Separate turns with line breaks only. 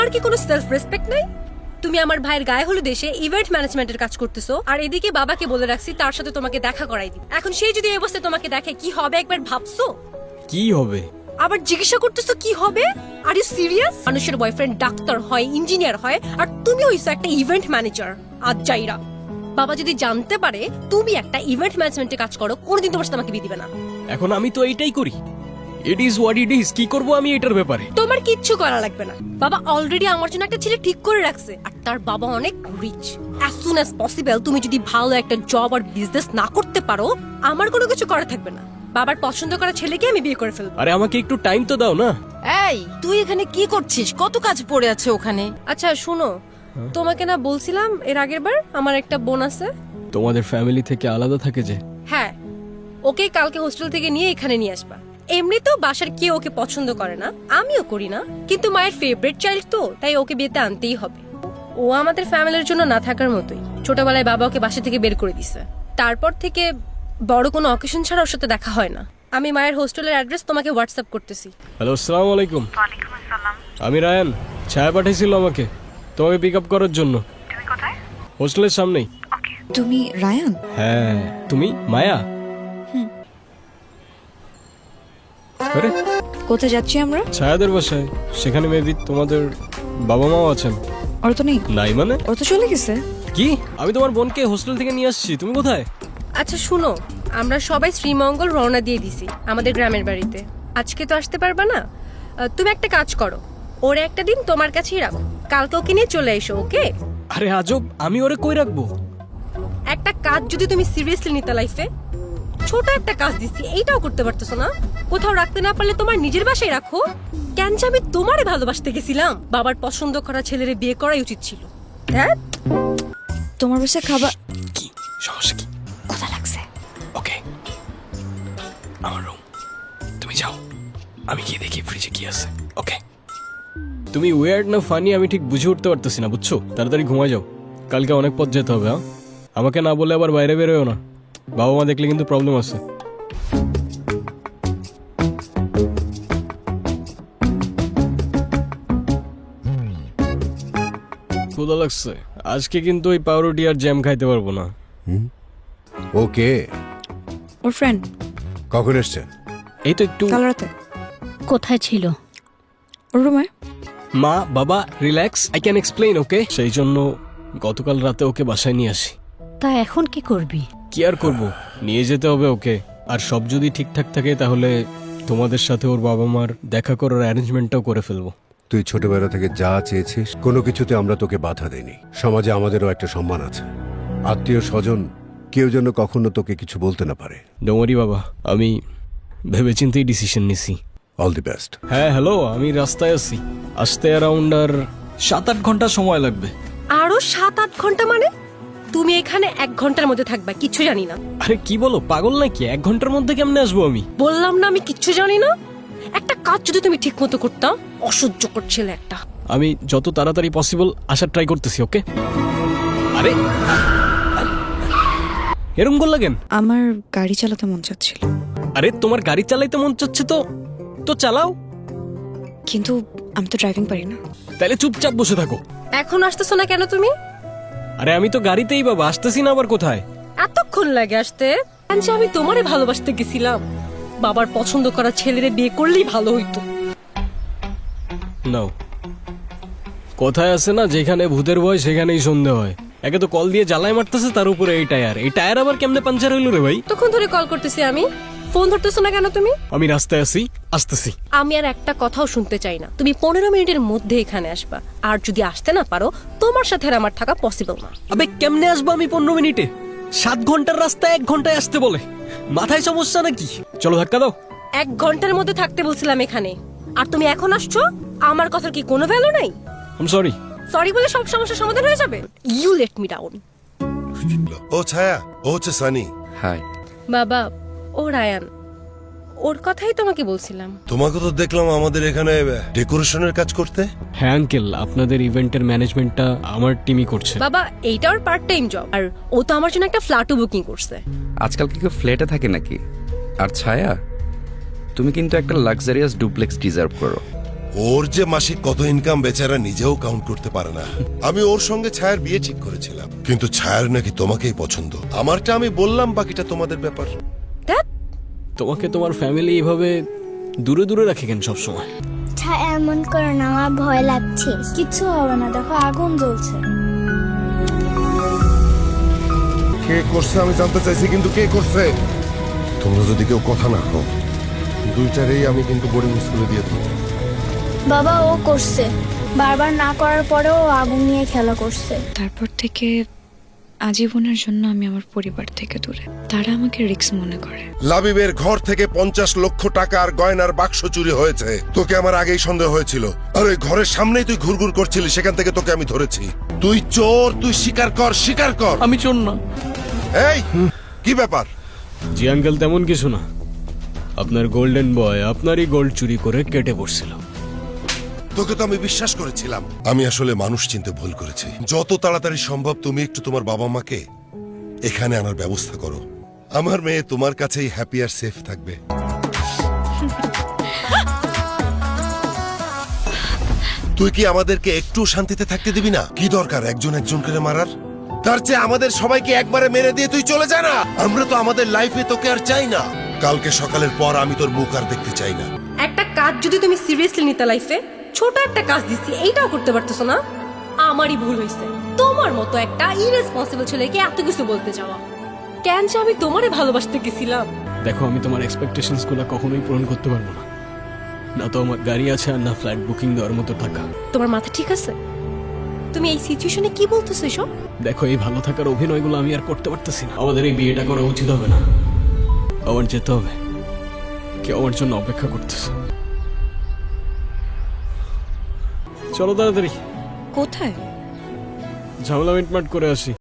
আর কি কোনো self respect নাই? তুমি আমার ভাইয়ের গায়ে হলুদ দেশে ইভেন্ট ম্যানেজমেন্টের কাজ করতেছো, আর এদিকে বাবাকে বলে রাখছি তার সাথে তোমাকে দেখা করাই দিই। এখন সেই যদি এই অবস্থায় তোমাকে দেখে কি হবে একবার ভাবছো?
কি হবে?
আবার জিজ্ঞাসা করতেছো কি হবে? Are you serious? মানুষের বয়ফ্রেন্ড ডাক্তার হয়, ইঞ্জিনিয়ার হয়, আর তুমি হইছো একটা ইভেন্ট ম্যানেজার। আজ যাইরা বাবা যদি জানতে পারে তুমি একটা ইভেন্ট ম্যানেজমেন্টে কাজ করো, কোনোদিন তোমার সাথে আমাকে বিয়ে দিবে না।
এখন আমি তো এইটাই করি। It is what it is. কি করব আমি এটার ব্যাপারে?
তোমার কিচ্ছু করা লাগবে না। বাবা অলরেডি আমার জন্য একটা ছেলে ঠিক করে রাখছে, আর তার বাবা অনেক rich. As soon as possible তুমি যদি ভালো একটা জব আর বিজনেস না করতে পারো, আমার কোনো কিছু করা থাকবে না। বাবার পছন্দ করা ছেলেকে আমি বিয়ে করে ফেলবো।
আরে আমাকে একটু টাইম তো দাও না।
এই তুই এখানে কি করছিস? কত কাজ পড়ে আছে ওখানে।
আচ্ছা শুনো, তোমাকে না বলছিলাম এর আগের বার আমার একটা বোন আছে?
তোমাদের ফ্যামিলি থেকে আলাদা থাকে যে?
হ্যাঁ, ওকে কালকে হোস্টেল থেকে নিয়ে এখানে নিয়ে আসবা। এমনি তো বাসার কেউ ওকে পছন্দ করে না, আমিও করি না, কিন্তু মায়ের ফেভারিট চাইল্ড তো, তাই ওকে বিয়েতে আনতেই হবে। ও আমাদের ফ্যামিলির জন্য না থাকার মতোই। ছোটবেলায় বাবা ওকে বাসা থেকে বের করে দিছে, তারপর থেকে বড় কোনো অকেশন ছাড়া ওর সাথে দেখা হয় না। আমি মায়ের হোস্টেলের অ্যাড্রেস তোমাকে হোয়াটসঅ্যাপ করতেছি।
হ্যালো, আসসালামু আলাইকুম।
ওয়ালাইকুম আসসালাম।
আমি রায়ান। ছায়া পাঠিয়েছিল আমাকে তোমাকে পিক আপ করার জন্য।
তুমি কোথায়?
হোস্টেলের সামনেই।
ওকে।
তুমি রায়ান?
হ্যাঁ, তুমি মায়া? আরে
কোথায় যাচ্ছি আমরা?
ছায়াদের বাসায়। সেখানে মেবি তোমাদের বাবা মাও আছেন।
ওর তো নেই।
নাই মানে?
ও তো চলে গেছে।
কি? আমি তোমার বোনকে হোস্টেল থেকে নিয়ে আসছি, তুমি কোথায়?
আচ্ছা শুনো, আমরা সবাই শ্রীমঙ্গল রওনা দিয়ে দিছি আমাদের গ্রামের বাড়িতে। আজকে তো আসতে পারবা না। তুমি একটা কাজ করো, ওর একটা দিন তোমার কাছেই রাখো, কালকে ওকে নিয়ে চলে এসো। ওকে?
আরে আজব, আমি ওরে কই রাখবো?
একটা কাজ যদি তুমি সিরিয়াসলি নিতে লাইফে, ছোট একটা কাজ দিচ্ছি, এইটাও করতে পারতেছো না? কোথাও রাখতে না পারলে তোমার নিজের বাসায় রাখো। কেন যে আমি তোমারে ভালোবাসতে গেছিলাম, বাবার পছন্দ করা ছেলেরে বিয়ে করাই উচিত ছিল। হ্যাঁ,
তোমার বাসায় খাবার।
কি সমস্যা? কি
কথা লাগছে?
ওকে, আমার রুম। তুমি যাও, আমি গিয়ে দেখি ফ্রিজে কি আছে। ওকে? তুমি ওয়ার্ড না ফানি আমি ঠিক বুঝে উঠতে পারতেছি না, বুঝছো? তাড়াতাড়ি ঘুমায় যাও, কালকে অনেক পথ যেতে হবে। হ্যাঁ, আমাকে না বলে আবার বাইরে বেরোয় না, বাবা মা দেখলে কিন্তু প্রবলেম আছে। ক্ষুধা লাগছে আজকে, কিন্তু ওই পাউরুটি আর জ্যাম খাইতে পারবো না।
ওকে,
ওর ফ্রেন্ড
কখন এসছে?
এই তো একটু।
কাল রাতে।
কোথায় ছিল?
ওর রুমে।
মা বাবা relax, I can explain. Okay? সেই জন্য গতকাল রাতে ওকে বাসায় নিয়ে আসি।
তা এখন কি করবি?
কি আর করবো, নিয়ে যেতে হবে ওকে। আর সব যদি ঠিকঠাক থাকে তাহলে তোমাদের সাথে ওর বাবা মার দেখা করার অ্যারেঞ্জমেন্টটাও করে ফেলবো।
তুই ছোটবেলা থেকে যা চেয়েছিস কোনো কিছুতে আমরা তোকে বাধা দেইনি। সমাজে আমাদেরও একটা সম্মান আছে। আত্মীয় স্বজন কেউ যেন কখনো তোকে কিছু বলতে না পারে।
ডোমারি বাবা, আমি ভেবেচিন্তেই ডিসিশন নিছি।
All the best.
হ্যাঁ হ্যালো, আমি রাস্তায় আছি, আসতে অ্যারাউন্ড আর 7-8 ঘন্টা সময় লাগবে।
আরো 7-8 ঘন্টা মানে? তুমি এখানে 1 ঘন্টার মধ্যে থাকবা, কিচ্ছু জানি না।
আরে কি বলো, পাগল নাকি? 1 ঘন্টার মধ্যে কেমনে আসবো আমি?
বললাম না আমি কিচ্ছু জানি না। একটা কাজ যদি তুমি ঠিক মতো করতাম। অসহ্য করছিল একটা।
আমি যত তাড়াতাড়ি পসিবল আসার ট্রাই করতেছি। ওকে? আরে এরম করলা কেন?
আমার গাড়ি চালাতে মন চাচ্ছিল।
আরে তোমার গাড়ি চালাইতে মন চাচ্ছে তো তো চালাও,
কিন্তু আমি তো ড্রাইভিং পারি না।
তাহলে চুপচাপ বসে থাকো।
এখন আসতেছো না কেন তুমি?
আরে আমি তো গাড়িতেই বাবা, আসতেছি না আবার কোথায়?
এতক্ষণ লাগে আসতে? যে আমি তোমারে ভালোবাসতে গেছিলাম, বাবার পছন্দ করা ছেলেরে বিয়ে করলেই ভালো হইতো।
নাও, কোথায় আছে না, যেখানে ভূতের ভয় সেখানেই সন্ধে হয়। একে তো কল দিয়ে জ্বালায় মারতেছে, তার উপরে এই টায়ার আবার কেমনে পাঞ্চার হইলো রে ভাই?
তখন ধরে কল করতেছি আমি, ফোন ধরতেছো না কেন তুমি?
আমি রাস্তায় আছি, আসতেছি।
আমি আর একটা কথাও শুনতে চাই না। তুমি 15 মিনিটের মধ্যে এখানে আসবা, আর যদি আসতে না পারো তোমার সাথে আর আমার থাকা পসিবল না।
আবে কেমনে আসবো আমি 15 মিনিটে? 7 ঘন্টার রাস্তা 1 ঘন্টায় আসতে বলে, মাথায় সমস্যা নাকি? চলো ধাক্কা দাও।
1 ঘন্টার মধ্যে থাকতে বলছিলাম এখানে, আর তুমি এখন আসছো? আমার কথার কি কোনো ভ্যালু নাই?
I am sorry.
সরি বলে সব সমস্যার সমাধান হয়ে যাবে? You let me down.
ও ছায়া, ও হচ্ছে সানি।
হাই
বাবা, ও রায়ান, ওর কথাই তোমাকে বলছিলাম।
তোমাকে তো দেখলাম আমাদের এখানে ডেকোরেশনের কাজ করতে।
হ্যাঁ আঙ্কেল, আপনাদের ইভেন্টের ম্যানেজমেন্টটা আমার টিমই করছে।
বাবা, এইটা ওর পার্ট টাইম জব, আর ও তো আমার জন্য একটা ফ্ল্যাটও বুকিং করছে।
আজকাল কি কেউ ফ্ল্যাটে থাকে নাকি? আর ছায়া, তুমি কিন্তু একটা লাক্সারিয়াস ডুপ্লেক্স ডিজার্ভ করো।
ওর যে মাসিক কত ইনকাম বেচারা নিজেও কাউন্ট করতে পারে না। আমি ওর সঙ্গে ছায়ার বিয়ে ঠিক করেছিলাম, কিন্তু ছায়ার নাকি তোমাকেই পছন্দ। আমারটা আমি বললাম, বাকিটা তোমাদের ব্যাপার।
তোমাকে তোমার ফ্যামিলি এভাবে দূরে দূরে রাখে কেন সবসময়?
এমন করে না, আমার ভয় লাগছে। কিছু হবে না, দেখো আগুন জ্বলছে।
কে করছে আমি জানতে চাইছি, কিন্তু কে করছে? তোমরা যদি কেউ কথা না কও, দুইটারেই আমি কিন্তু বোর্ডিং স্কুলে দিয়ে দেবো।
বাবা ও করছে, বারবার না করার পরেও ও আগুন নিয়ে খেলা করছে।
তারপর থেকে আজীবনের জন্য আমি আমার পরিবার থেকে দূরে। তারা আমাকে রিস্ক মনে করে।
লাবিবের ঘর থেকে 50 লক্ষ টাকা আর গয়নার বাক্স চুরি হয়েছে। তোকে আমার আগেই সন্দেহ হয়েছিল, আর ওই ঘরের সামনেই তুই ঘুরঘুর করছিলি, সেখান থেকে তোকে আমি ধরেছি। তুই চোর, তুই স্বীকার কর, স্বীকার কর।
আমি চোর না।
এই কি ব্যাপার?
জি আঙ্কেল, তেমন কিছু না। আপনার গোল্ডেন বয় আপনারই গোল্ড চুরি করে কেটে পড়ছিল।
তোকে তো আমি বিশ্বাস করেছিলাম। আমি আসলে মানুষ চিনতে ভুল করেছি। যত তাড়াতাড়ি সম্ভব তুমি একটু তোমার বাবা মাকে এখানে আনার ব্যবস্থা করো। আমার মেয়ে তোমার কাছেই হ্যাপি আর সেফ থাকবে। তুই কি আমাদেরকে একটু শান্তিতে থাকতে দিবি না? কি দরকার একজন একজন করে মারার? তার চেয়ে আমাদের সবাইকে একবারে মেরে দিয়ে তুই চলে যা না। আমরা তো আমাদের লাইফে তোকে আর চাই না। কালকে সকালের পর আমি তোর মুখ আর দেখতে চাই না।
একটা কাজ যদি তুমি সিরিয়াসলি নিতে লাইফে, ছোট একটা কাজ দিচ্ছি, এইটাও করতে পারতেছো না। আমারই ভুল হয়েছে, তোমার মতো একটা ইরেসপন্সিবল ছেলেকে এত কিছু বলতে যাওয়া। কেন যে আমি তোমারে ভালোবাসতে গেছিলাম।
দেখো, আমি তোমার এক্সপেকটেশনস গুলো কখনোই পূরণ করতে পারবো না। না তো আমার গাড়ি আছে, আর না ফ্লাইট বুকিং দেওয়ার মতো টাকা।
তোমার মাথা ঠিক আছে? তুমি এই সিচুয়েশনে কি বলতেছো এসব?
দেখো, এই ভালো থাকার অভিনয়গুলো আমি আর করতে পারতেছি না। আমাদের এই বিয়েটা করা উচিত হবে না। আবার যেতে হবে, কেউ আমার জন্য অপেক্ষা করতেছে। চলো তাড়াতাড়ি,
কোথায়?
ঝামেলা মিটমাট করে আসি।